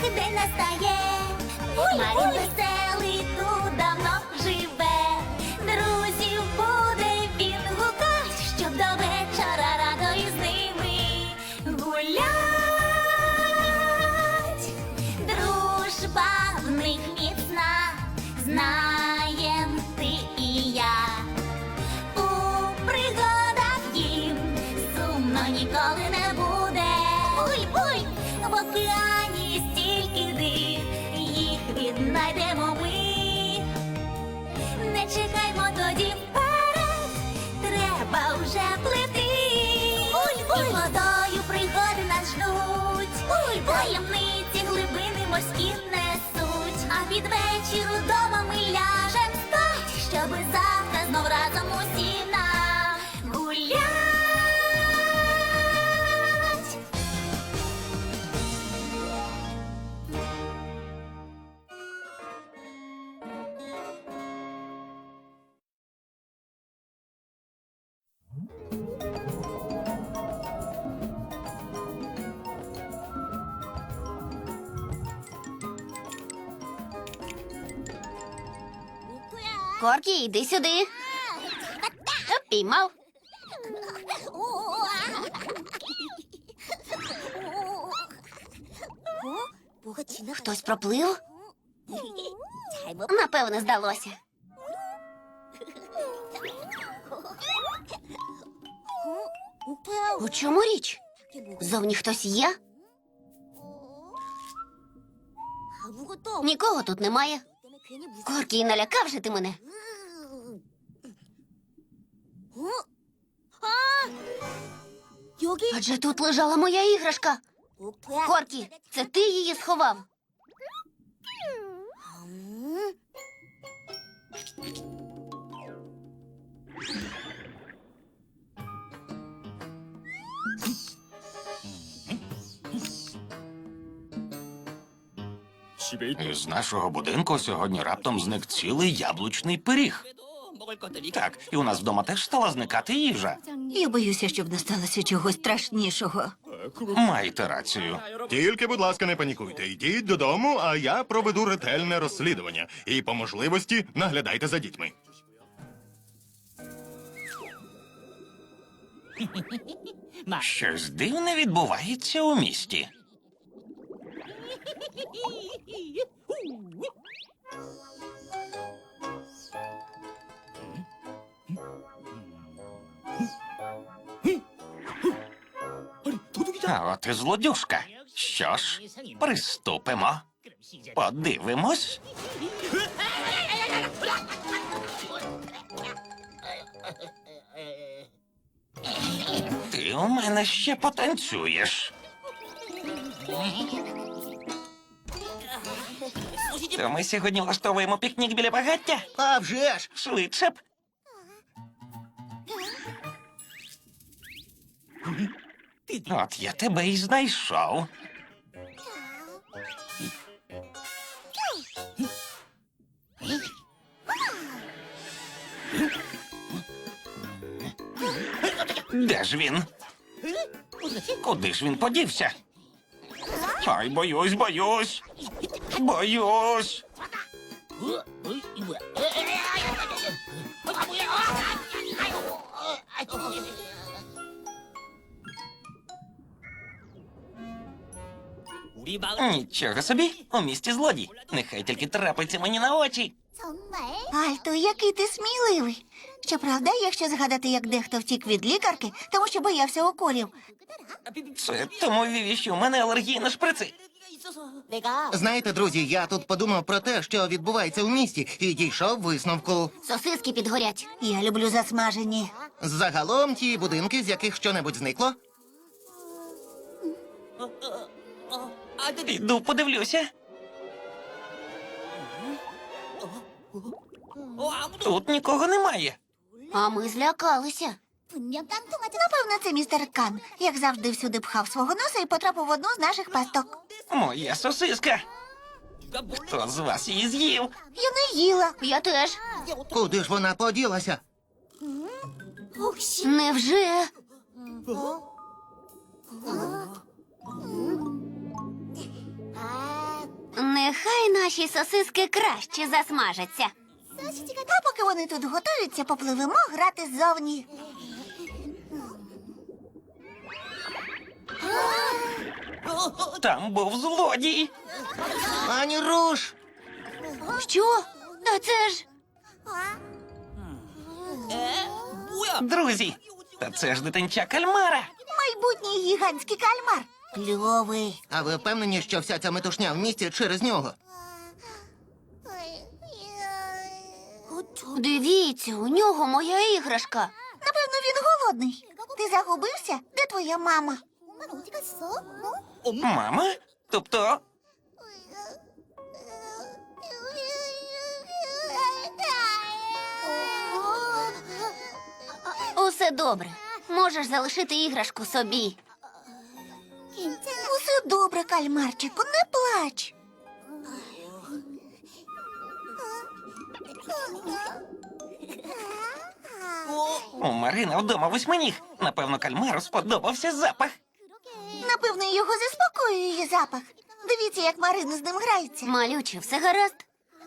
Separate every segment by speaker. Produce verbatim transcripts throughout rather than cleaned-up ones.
Speaker 1: день настає. Марін веселий тут давно живе. Друзів буде він гукать, щоб до вечора радо із ними гулять. Дружба в них міцна, знаєм ти і я. У пригадах їм сумно ніколи не буде. Буй, буй, в океані стільки див, їх віднайдемо ми. Не чекаймо тоді вперед, треба вже плити. Буй, буй, і водою пригоди нас ждуть. Буй, буй, таємниці глибини морські несуть. А під вечір удома ми ляжем спать, щоби завтра знов разом усі нагулять.
Speaker 2: Коркі, йди сюди. Піймав. Хтось проплив? Напевно, здалося. У чому річ? Зовні хтось є? Нікого тут немає. Коркі, налякав же ти мене. Адже тут лежала моя іграшка. Коркі, це ти її сховав?
Speaker 3: З нашого будинку сьогодні раптом зник цілий яблучний пиріг. Так, і у нас вдома теж стала зникати їжа.
Speaker 4: Я боюся, щоб не сталося чогось страшнішого.
Speaker 3: Маєте рацію.
Speaker 5: Тільки, будь ласка, не панікуйте. Йдіть додому, а я проведу ретельне розслідування. І по можливості наглядайте за дітьми.
Speaker 3: Щось дивне відбувається у місті. А от і злодюжка. Що ж, приступимо. Подивимось. Ти у мене ще потанцюєш. То ми сьогодні влаштовуємо пікнік біля багаття?
Speaker 6: А вже ж!
Speaker 3: Швидше б. От я тебе і знайшов. Де ж він? Куди ж він подівся? Ай, боюсь, боюсь. Боюсь. Нічого собі, у місті злодій. Нехай тільки трапиться мені на очі.
Speaker 4: Альто, який ти сміливий. Щоправда, якщо згадати, як дехто втік від лікарки, тому що боявся уколів.
Speaker 3: Це тому, Віві, що у мене алергія на шприци.
Speaker 6: Знаєте, друзі, я тут подумав про те, що відбувається у місті, і дійшов висновку.
Speaker 2: Сосиски підгорять.
Speaker 4: Я люблю засмажені.
Speaker 6: Загалом ті будинки, з яких щонебудь зникло.
Speaker 3: Піду подивлюся. Тут нікого немає.
Speaker 2: А ми злякалися.
Speaker 4: Напевно, це містер Кан, як завжди всюди пхав свого носа і потрапив в одну з наших пасток.
Speaker 3: Моя сосиска. Хто з вас її з'їв?
Speaker 4: Я не їла.
Speaker 2: Я теж.
Speaker 6: Куди ж вона поділася?
Speaker 2: Невже? Нехай наші сосиски краще засмажаться.
Speaker 4: А поки вони тут готуються, попливемо грати ззовні.
Speaker 3: Там був злодій.
Speaker 6: Пані Руш!
Speaker 2: Що? Та це ж.
Speaker 3: Друзі, та це ж дитинча кальмара.
Speaker 4: Майбутній гігантський кальмар. Кльовий.
Speaker 6: А ви впевнені, що вся ця метушня в місті через нього?
Speaker 2: Дивіться, у нього моя іграшка.
Speaker 4: Напевно, він голодний. Ти загубився? Де твоя мама?
Speaker 3: Мама? Тобто,
Speaker 2: Усе добре. Можеш залишити іграшку собі.
Speaker 4: Усе добре, кальмарчику, не плач.
Speaker 3: у Марина вдома восьминіг. Напевно, кальмару сподобався запах.
Speaker 4: Напевно, його заспокоює її запах. Дивіться, як Марина з ним грається.
Speaker 2: Малюче, все гаразд?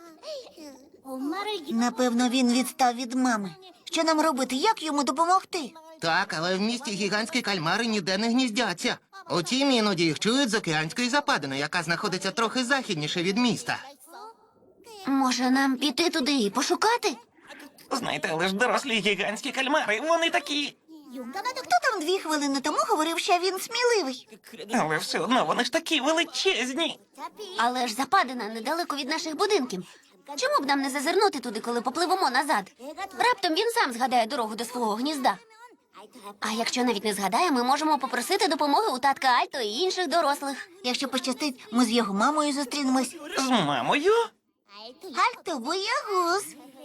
Speaker 4: Напевно, він відстав від мами. Що нам робити? Як йому допомогти?
Speaker 6: Так, але в місті гігантські кальмари ніде не гніздяться. Утім, іноді їх чують з океанської западини, яка знаходиться трохи західніше від міста.
Speaker 2: Може, нам піти туди і пошукати?
Speaker 3: Знаєте, але ж дорослі гігантські кальмари, вони такі.
Speaker 4: Хто там дві хвилини тому говорив, що він сміливий?
Speaker 3: Але все одно вони ж такі величезні.
Speaker 2: Але ж западина недалеко від наших будинків. Чому б нам не зазирнути туди, коли попливемо назад? Раптом він сам згадає дорогу до свого гнізда. А якщо навіть не згадає, ми можемо попросити допомоги у татка Альто і інших дорослих.
Speaker 4: Якщо пощастить, ми з його мамою зустрінемось.
Speaker 3: З мамою?
Speaker 4: Альто, боягуз.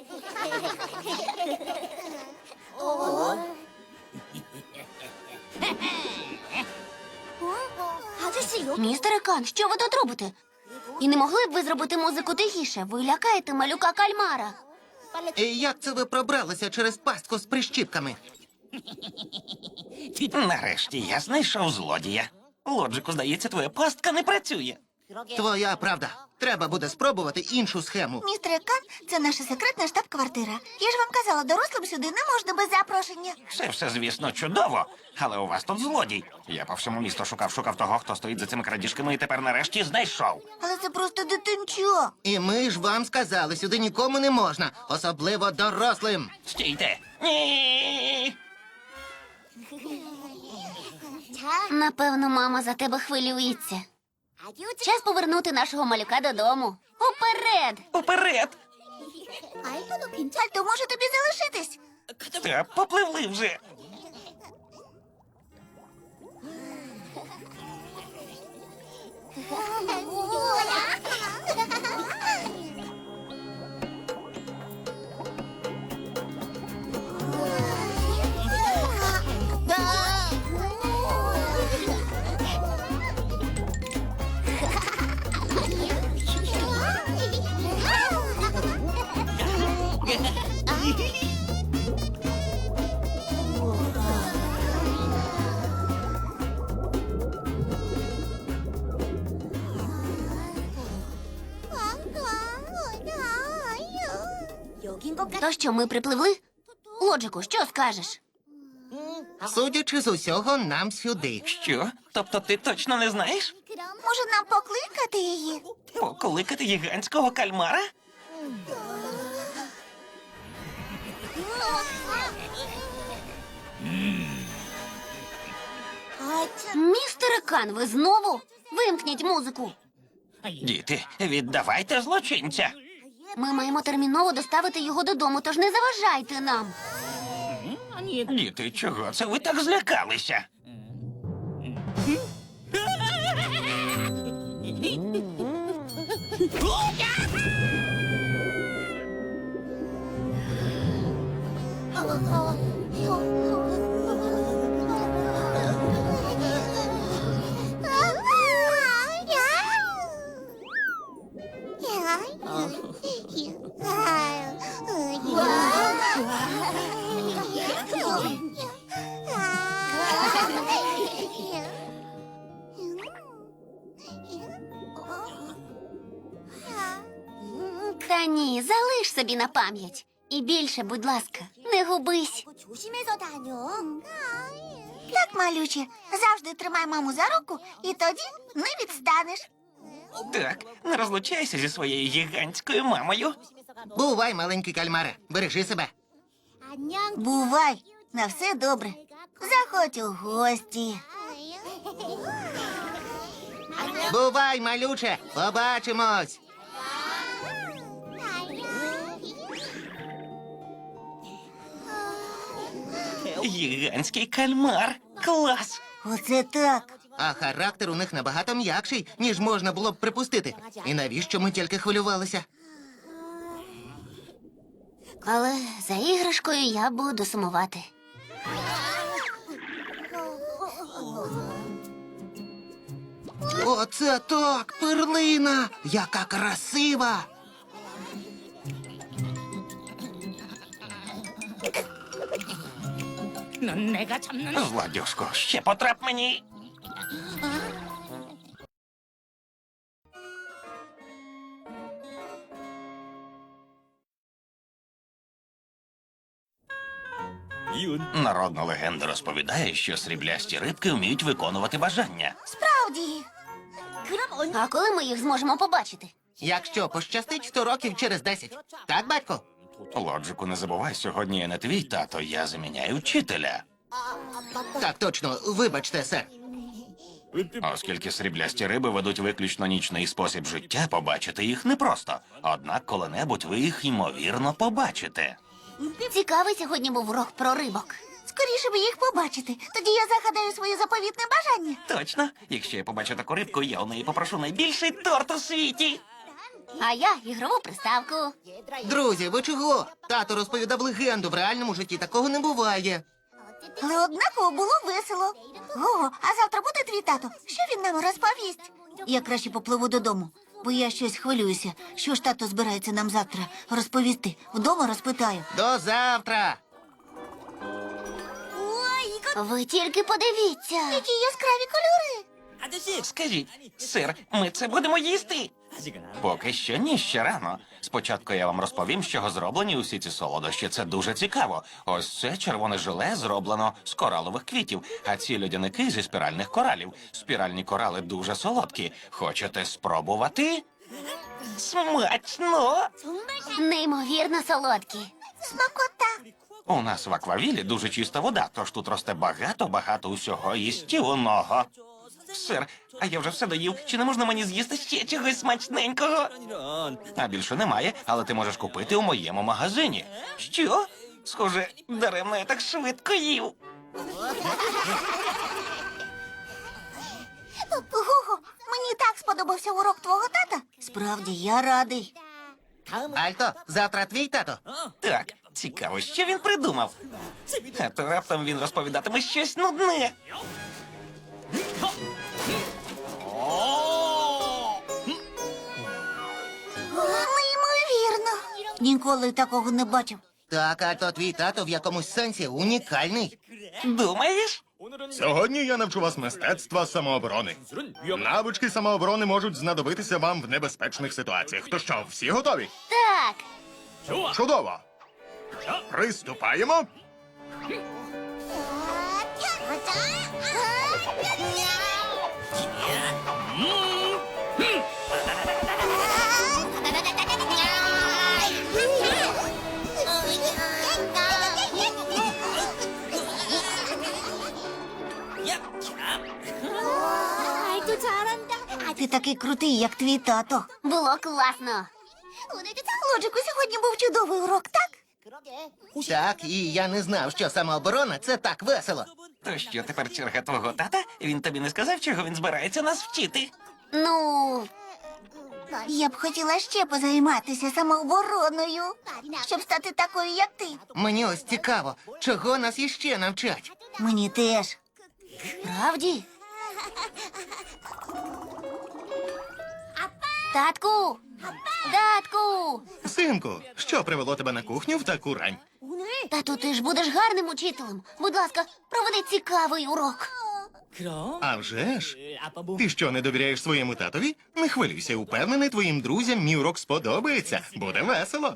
Speaker 2: Містере Кан, що ви тут робите? І не могли б ви зробити музику тихіше? Ви лякаєте малюка кальмара.
Speaker 6: І як це ви пробралися через пастку з прищіпками?
Speaker 3: Нарешті я знайшов злодія. Лоджику, здається, твоя пастка не працює.
Speaker 6: Твоя правда. Треба буде спробувати іншу схему.
Speaker 4: Містер Кан, це наша секретна штаб-квартира. Я ж вам казала, дорослим сюди не можна без запрошення.
Speaker 3: Це все, звісно, чудово. Але у вас тут злодій. Я по всьому місту шукав-шукав того, хто стоїть за цими крадіжками, і тепер нарешті знайшов.
Speaker 4: Але це просто дитинчо.
Speaker 6: І ми ж вам сказали, сюди нікому не можна, особливо дорослим.
Speaker 3: Стійте! Ні!
Speaker 2: Напевно, мама за тебе хвилюється. Час повернути нашого малюка додому. Уперед!
Speaker 3: Уперед!
Speaker 4: Альто, може тобі залишитись?
Speaker 3: Та попливли вже.
Speaker 2: То що, ми припливли? Лоджику, що скажеш?
Speaker 6: Судячи з усього, нам сюди.
Speaker 3: Що? Тобто ти точно не знаєш?
Speaker 4: Може, нам покликати її?
Speaker 3: Покликати гігантського кальмара?
Speaker 2: Містере Кан, ви знову? Вимкніть музику.
Speaker 3: Діти, віддавайте злочинця.
Speaker 2: Ми маємо терміново доставити його додому, тож не заважайте нам.
Speaker 3: Діти, чого це ви так злякалися?
Speaker 2: Та ні, залиш собі на пам'ять. І більше, будь ласка, не губись.
Speaker 1: 조심해서 다녀.
Speaker 4: Так, малюче, завжди тримай маму за руку, і тоді не відстанеш.
Speaker 3: Так, не розлучайся зі своєю гігантською мамою.
Speaker 6: Бувай, маленький кальмаре, бережи себе.
Speaker 1: 안녕.
Speaker 4: Бувай, на все добре. Заходь у гості.
Speaker 6: Бувай, малюче, побачимось.
Speaker 3: Гігантський кальмар. Клас!
Speaker 4: Оце так.
Speaker 6: А характер у них набагато м'якший, ніж можна було б припустити. І навіщо ми тільки хвилювалися?
Speaker 2: Але за іграшкою я буду сумувати.
Speaker 6: Оце так, перлина! Яка красива!
Speaker 3: Злодюшко, ще потрап мені. Народна легенда розповідає, що сріблясті рибки вміють виконувати бажання.
Speaker 4: Справді.
Speaker 2: А коли ми їх зможемо побачити?
Speaker 6: Якщо пощастить, сто років через десять. Так, батько?
Speaker 3: Лоджику, не забувай, сьогодні я не твій тато, я заміняю вчителя.
Speaker 6: Так, точно. Вибачте, сер.
Speaker 3: Оскільки сріблясті риби ведуть виключно нічний спосіб життя, побачити їх непросто. Однак коли-небудь ви їх ймовірно побачите.
Speaker 2: Цікавий сьогодні був урок про рибок.
Speaker 4: Скоріше би їх побачити. Тоді я загадаю своє заповітне бажання.
Speaker 3: Точно, якщо я побачу таку рибку, я у неї попрошу найбільший торт у світі.
Speaker 2: А я ігрову приставку.
Speaker 6: Друзі, ви чого? Тато розповідав легенду, в реальному житті такого не буває.
Speaker 4: Але однаково було весело. Ого, а завтра буде твій тато? Що він нам розповість? Я краще попливу додому, бо я щось хвилююся. Що ж тато збирається нам завтра розповісти? Вдома розпитаю.
Speaker 6: До завтра!
Speaker 2: Ви тільки подивіться.
Speaker 4: Які яскраві кольори.
Speaker 3: Скажіть, сир, ми це будемо їсти? Поки що ні, ще рано. Спочатку я вам розповім, з чого зроблені усі ці солодощі. Це дуже цікаво. Ось це червоне желе зроблено з коралових квітів, а ці льодяники зі спіральних коралів. Спіральні корали дуже солодкі. Хочете спробувати? Смачно!
Speaker 2: Неймовірно солодкі.
Speaker 4: Смакота.
Speaker 3: У нас в аквавілі дуже чиста вода, тож тут росте багато-багато усього їстівного. Сир, а я вже все доїв. Чи не можна мені з'їсти ще чогось смачненького? А більше немає, але ти можеш купити у моєму магазині. Що? Схоже, даремно я так швидко їв.
Speaker 4: Гого, мені так сподобався урок твого тата. Справді, я радий.
Speaker 6: Альто, завтра твій тато.
Speaker 3: Так, цікаво, що він придумав. А то раптом він розповідатиме щось нудне.
Speaker 4: Неймовірно. Ніколи такого не бачив.
Speaker 6: Так, Альто, твій тато в якомусь сенсі унікальний.
Speaker 3: Думаєш?
Speaker 5: Сьогодні я навчу вас мистецтва самооборони. Навички самооборони можуть знадобитися вам в небезпечних ситуаціях. То що, всі готові?
Speaker 2: Так.
Speaker 5: Чудово! Приступаємо!
Speaker 1: 아이도 잘한다.
Speaker 4: Ти такий крутий, як твій тато.
Speaker 2: Було класно.
Speaker 4: Лоджику, сьогодні був чудовий урок, так?
Speaker 6: Так, і я не знав, що самооборона це так весело.
Speaker 3: То що, тепер черга твого тата? Він тобі не сказав, чого він збирається нас вчити?
Speaker 2: Ну,
Speaker 4: Я б хотіла ще позайматися самообороною, щоб стати такою, як ти.
Speaker 6: Мені ось цікаво, чого нас іще навчать.
Speaker 4: Мені теж.
Speaker 2: правді? Татку! Татку!
Speaker 5: Синку, що привело тебе на кухню в таку рань?
Speaker 2: Тату, ти ж будеш гарним учителем. Будь ласка, проведи цікавий урок.
Speaker 5: А вже ж. Ти що, не довіряєш своєму татові? Не хвилюйся, упевнений, твоїм друзям мій урок сподобається. Буде весело.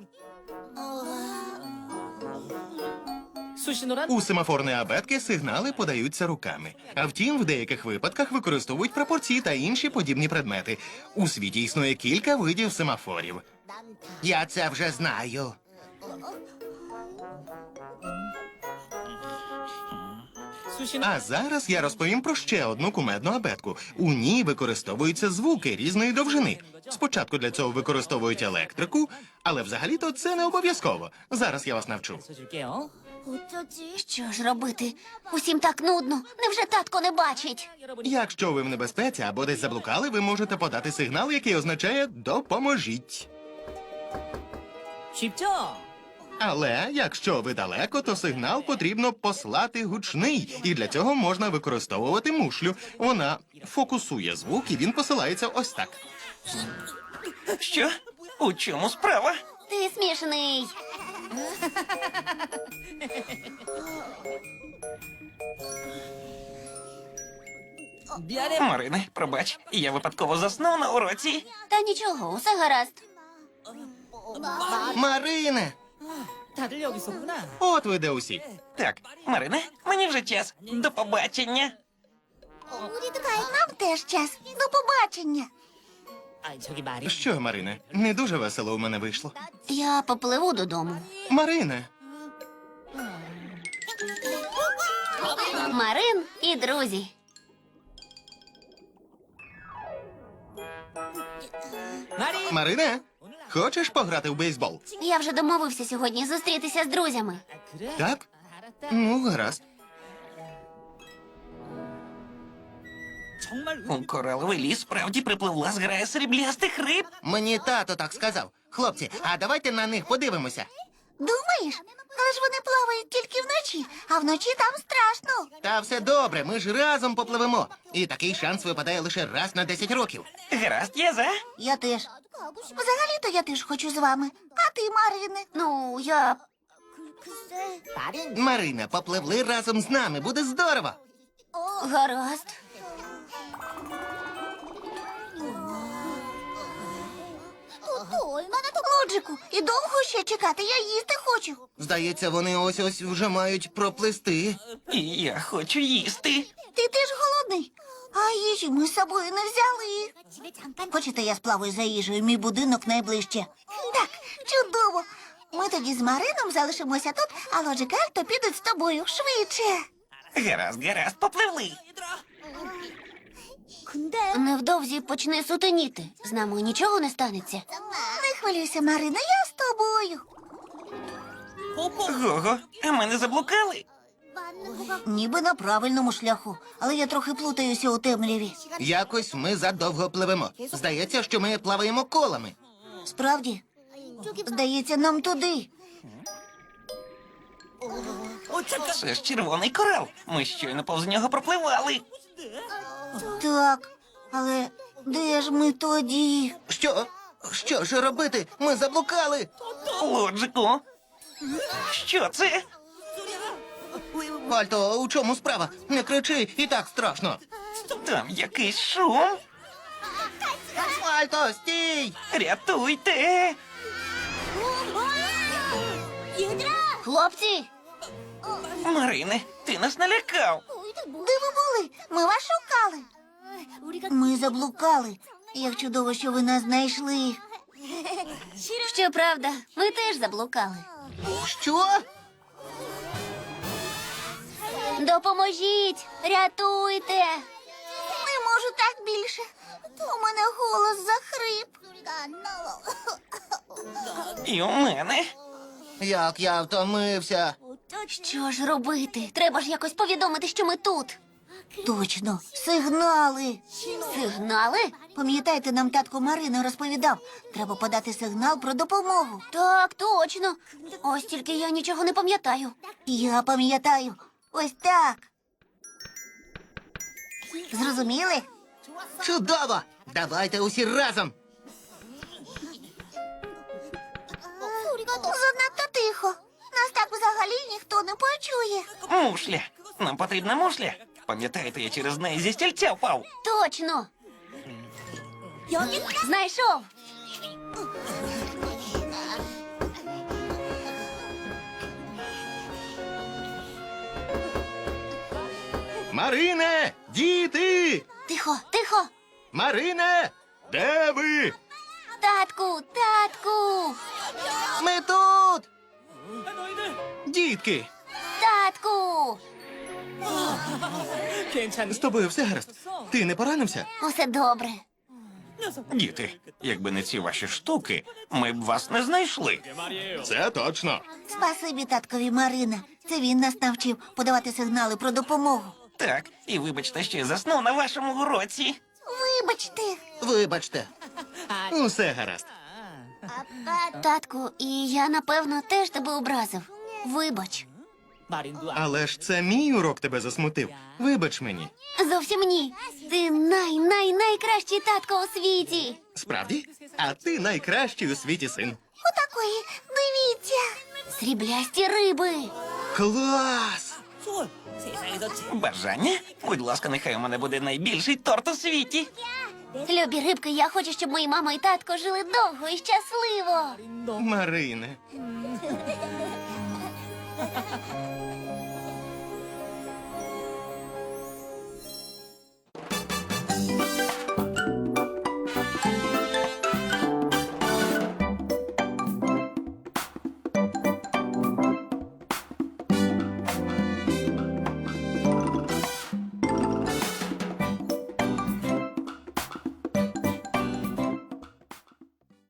Speaker 5: У семафорної абетки сигнали подаються руками. А втім, в деяких випадках використовують прапорці та інші подібні предмети. У світі існує кілька видів семафорів.
Speaker 6: Я це вже знаю.
Speaker 5: А зараз я розповім про ще одну кумедну абетку. У ній використовуються звуки різної довжини. Спочатку для цього використовують електрику, але взагалі-то це не обов'язково. Зараз я вас навчу.
Speaker 2: Що ж робити? Усім так нудно. Невже татко не бачить?
Speaker 5: Якщо ви в небезпеці або десь заблукали, ви можете подати сигнал, який означає «допоможіть». Але якщо ви далеко, то сигнал потрібно послати гучний, і для цього можна використовувати мушлю. Вона фокусує звук, і він посилається ось так.
Speaker 3: Що? У чому справа?
Speaker 2: Ти смішний.
Speaker 3: Марине, пробач, я випадково заснув на уроці.
Speaker 2: Та нічого, усе гаразд.
Speaker 6: Марине!
Speaker 5: От ви де усі.
Speaker 3: Так, Марине, мені вже час. До побачення.
Speaker 4: Нам теж час. До побачення.
Speaker 5: Що, Марине, не дуже весело у мене вийшло.
Speaker 2: Я попливу додому.
Speaker 5: Марине,
Speaker 2: Марин і друзі.
Speaker 5: Марине, хочеш пограти в бейсбол?
Speaker 2: Я вже домовився сьогодні зустрітися з друзями.
Speaker 5: Так? Ну, гаразд.
Speaker 3: У кораловий ліс справді припливла зграя сріблястих риб.
Speaker 6: Мені тато так сказав. Хлопці, а давайте на них подивимося.
Speaker 4: Думаєш? Але ж вони плавають тільки вночі, а вночі там страшно.
Speaker 6: Та все добре, ми ж разом попливемо. І такий шанс випадає лише раз на десять років.
Speaker 3: Гаразд, я за.
Speaker 4: Я теж. Взагалі-то я теж хочу з вами. А ти, Марине?
Speaker 2: Ну, я.
Speaker 6: Марина, попливли разом з нами, буде здорово.
Speaker 2: Гаразд.
Speaker 4: Лоджику, і довго ще чекати, я їсти хочу.
Speaker 6: Здається, вони ось-ось вже мають проплисти.
Speaker 3: І я хочу їсти.
Speaker 4: Ти теж голодний? А їжі ми з собою не взяли. Хочете, я сплаваю за їжею, мій будинок найближче. Так, чудово. Ми тоді з Марином залишимося тут, а Лоджик і Альто підуть з тобою швидше.
Speaker 3: Гаразд, гаразд, попливли.
Speaker 2: Невдовзі почне сутеніти. З нами нічого не станеться.
Speaker 4: Не хвилюйся, Марина, я з тобою.
Speaker 3: Гого, а ми не заблукали?
Speaker 4: Ніби на правильному шляху, але я трохи плутаюся у темряві.
Speaker 6: Якось ми задовго пливемо. Здається, що ми плаваємо колами.
Speaker 4: Справді? Здається, нам туди.
Speaker 3: Це ж червоний корал. Ми щойно повз нього пропливали.
Speaker 4: Так, але де ж ми тоді?
Speaker 6: Що? Що ж робити? Ми заблукали.
Speaker 3: Лоджику. Що це?
Speaker 6: Альто, у чому справа? Не кричи, і так страшно.
Speaker 3: Там якийсь шум.
Speaker 6: Альто, стій!
Speaker 3: Рятуйте.
Speaker 2: Хлопці,
Speaker 3: Марине, ти нас налякав.
Speaker 4: Де ви були? Ми вас шукали. Ми заблукали. Як чудово, що ви нас знайшли.
Speaker 2: щоправда, ми теж заблукали.
Speaker 6: Що?
Speaker 2: Допоможіть! Рятуйте!
Speaker 4: Не можу так більше. У мене голос захрип.
Speaker 3: І у мене.
Speaker 6: Як я втомився.
Speaker 2: Що ж робити? Треба ж якось повідомити, що ми тут.
Speaker 4: Точно, сигнали.
Speaker 2: Сигнали?
Speaker 4: Пам'ятаєте, нам татко Марина розповідав. Треба подати сигнал про допомогу.
Speaker 2: Так, точно. Ось тільки я нічого не пам'ятаю.
Speaker 4: Я пам'ятаю. Ось так. Зрозуміли?
Speaker 6: Чудово! Давайте усі разом.
Speaker 4: Занадто тихо. Нас так взагалі ніхто не почує.
Speaker 3: Мушля. Нам потрібна мушля. Пам'ятаєте, я через неї зі стільця впав.
Speaker 2: Точно. Знайшов.
Speaker 5: Марине! Діти!
Speaker 2: Тихо, тихо.
Speaker 5: Марине! Де ви?
Speaker 2: Татку, татку,
Speaker 6: Ми тут!
Speaker 5: Дітки!
Speaker 2: татку.
Speaker 5: З тобою все гаразд. Ти не поранився?
Speaker 2: Усе добре.
Speaker 3: Діти, якби не ці ваші штуки, ми б вас не знайшли.
Speaker 5: Це точно.
Speaker 4: Спасибі таткові Марина. Це він нас навчив подавати сигнали про допомогу.
Speaker 3: Так, і вибачте, що я заснув на вашому уроці.
Speaker 4: Вибачте.
Speaker 6: Вибачте.
Speaker 5: Усе гаразд.
Speaker 2: Татку, і я, напевно, теж тебе образив. Вибач.
Speaker 5: Але ж це мій урок тебе засмутив. Вибач мені.
Speaker 2: Зовсім ні. Ти най-най-найкращий татко у світі.
Speaker 5: Справді? А ти найкращий у світі син.
Speaker 4: Отакої. Дивіться.
Speaker 2: Сріблясті риби.
Speaker 5: Клас!
Speaker 3: Бажання? Будь ласка, нехай у мене буде найбільший торт у світі.
Speaker 2: Любі рибки, я хочу, щоб мої мама і татко жили довго і щасливо.
Speaker 5: Марине.